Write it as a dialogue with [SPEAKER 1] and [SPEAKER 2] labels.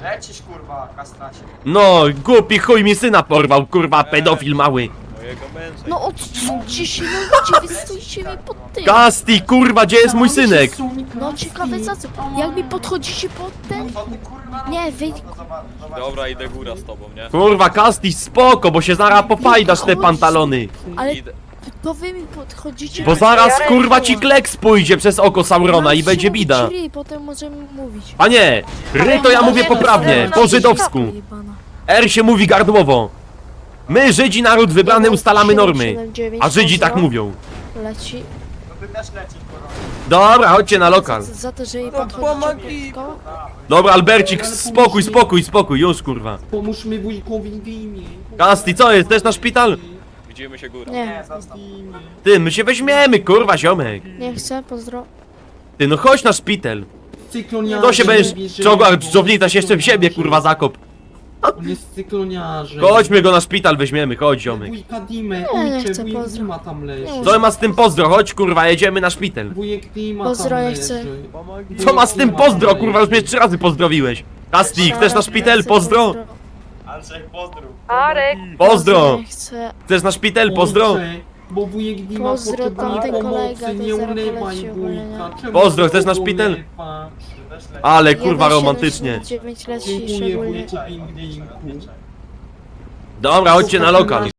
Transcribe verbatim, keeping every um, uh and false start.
[SPEAKER 1] Lecisz kurwa, kastracie.
[SPEAKER 2] No, głupi chuj mi syna porwał, kurwa, pedofil mały.
[SPEAKER 3] Mojego męża.
[SPEAKER 4] No odsuńcie się, no ludzie, wy stójcie mi pod tym.
[SPEAKER 2] Kasti, kurwa, gdzie jest mój synek?
[SPEAKER 4] No ciekawe za co, jak mi podchodzicie pod ten?
[SPEAKER 1] To ty kurwa...
[SPEAKER 4] Nie, wy...
[SPEAKER 1] No to zobacz, zobacz.
[SPEAKER 3] Dobra, idę góra z tobą, nie?
[SPEAKER 2] Kurwa, Kasti, spoko, bo się zaraz popajdasz te pantalony.
[SPEAKER 4] Ale
[SPEAKER 3] Idę.
[SPEAKER 4] to wy mi podchodzicie...
[SPEAKER 2] Bo zaraz, kurwa, ci kleks pójdzie przez oko Saurona i będzie bida.
[SPEAKER 4] Czyli potem możemy mówić.
[SPEAKER 2] A nie, ry to ja mówię poprawnie, po żydowsku.
[SPEAKER 4] Jebana.
[SPEAKER 2] R się mówi gardłowo. My, Żydzi, naród wybrany, ustalamy normy. A Żydzi tak mówią.
[SPEAKER 4] Leci.
[SPEAKER 1] No ty też lecisz kurwa.
[SPEAKER 2] Dobra, chodźcie na lokal.
[SPEAKER 4] Za, za to, że jej
[SPEAKER 3] No
[SPEAKER 4] podchodzicie
[SPEAKER 3] pomagi.
[SPEAKER 4] pod koło?
[SPEAKER 2] Dobra, Albercik, spokój, spokój, spokój, już kurwa.
[SPEAKER 5] Pomóż mi wujkowi w imię.
[SPEAKER 2] Kasti, co jest, też na szpital?
[SPEAKER 3] Widzimy się góra.
[SPEAKER 4] Nie,
[SPEAKER 1] Nie, zostaw.
[SPEAKER 2] Ty, my się weźmiemy, kurwa, ziomek.
[SPEAKER 4] nie chcę, pozdro.
[SPEAKER 2] Ty, no chodź na szpital.
[SPEAKER 5] Cykloniarzem.
[SPEAKER 2] To się będziesz
[SPEAKER 5] mówi, że-
[SPEAKER 2] czołgał, dżdżownicasz jeszcze w siebie, kurwa, zakop.
[SPEAKER 5] On jest cykloniarzem.
[SPEAKER 2] Chodźmy go na szpital, weźmiemy, chodź, ziomek.
[SPEAKER 5] Wujka Dimę,
[SPEAKER 4] Nie, nie
[SPEAKER 5] ojcze,
[SPEAKER 4] chcę,
[SPEAKER 5] wujek
[SPEAKER 4] pozdro.
[SPEAKER 5] Dima tam leży.
[SPEAKER 4] Nie
[SPEAKER 2] Co ma z tym pozdro, chodź, kurwa, jedziemy na szpital.
[SPEAKER 5] Wujek Dima
[SPEAKER 4] Pozdro,
[SPEAKER 5] tam
[SPEAKER 4] ja
[SPEAKER 5] leży.
[SPEAKER 4] chcę.
[SPEAKER 2] Co ma z tym pozdro, kurwa, już mnie trzy razy pozdrowiłeś. Kasti, chcesz na szpital, pozdro?
[SPEAKER 1] Andrzej, pozdrów.
[SPEAKER 6] Arek,
[SPEAKER 2] Pozdro!
[SPEAKER 4] Nie chcę.
[SPEAKER 2] Chcesz na szpital, pozdro?
[SPEAKER 5] Ojcze, bo wujek Dima
[SPEAKER 4] Pozdro,
[SPEAKER 5] potrzebuje
[SPEAKER 4] tamten kolega
[SPEAKER 5] pomocy,
[SPEAKER 4] to
[SPEAKER 5] nie
[SPEAKER 4] zaraz
[SPEAKER 5] ulewaj
[SPEAKER 4] poleci ogólnie,
[SPEAKER 5] wujka.
[SPEAKER 4] nie?
[SPEAKER 5] Czemu
[SPEAKER 2] Pozdro, chcesz na
[SPEAKER 5] go
[SPEAKER 2] szpital?
[SPEAKER 5] ulewasz?
[SPEAKER 1] Ty też lecisz.
[SPEAKER 2] Ale kurwa romantycznie.
[SPEAKER 4] dziewięć leci
[SPEAKER 5] Dziękuję
[SPEAKER 4] szczególnie.
[SPEAKER 5] wujku Pingwinku.
[SPEAKER 2] Dobra, chodźcie na lokal.